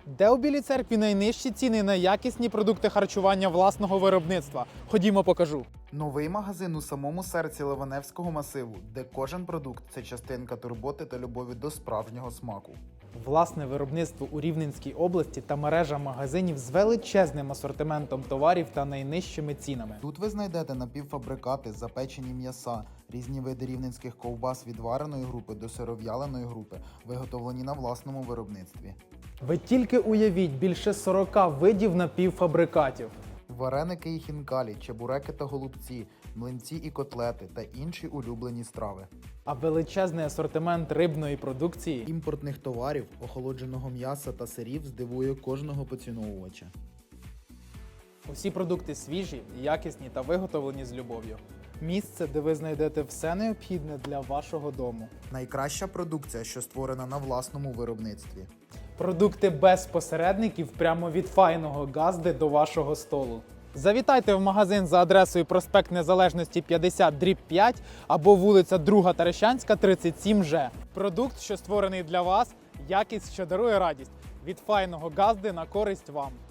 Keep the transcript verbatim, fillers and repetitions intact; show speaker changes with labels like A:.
A: Де у Білій Церкві найнижчі ціни на якісні продукти харчування власного виробництва? Ходімо, покажу.
B: Новий магазин у самому серці Ливаневського масиву, де кожен продукт – це частинка турботи та любові до справжнього смаку.
A: Власне виробництво у Рівненській області та мережа магазинів з величезним асортиментом товарів та найнижчими цінами.
B: Тут ви знайдете напівфабрикати, запечені м'яса, різні види рівненських ковбас від вареної групи до сиров'яленої групи, виготовлені на власному виробництві.
A: Ви тільки уявіть, більше сорока видів напівфабрикатів.
B: Вареники і хінкалі, чебуреки та голубці, млинці і котлети та інші улюблені страви.
A: А величезний асортимент рибної продукції.
B: Імпортних товарів, охолодженого м'яса та сирів здивує кожного поціновувача.
A: Усі продукти свіжі, якісні та виготовлені з любов'ю. Місце, де ви знайдете все необхідне для вашого дому.
B: Найкраща продукція, що створена на власному виробництві.
A: Продукти без посередників прямо від файного газди до вашого столу. Завітайте в магазин за адресою проспект Незалежності п'ятдесят дріб п'ять або вулиця Друга Тарещанська, тридцять сім Ж. Продукт, що створений для вас, якість, що дарує радість. Від файного газди на користь вам.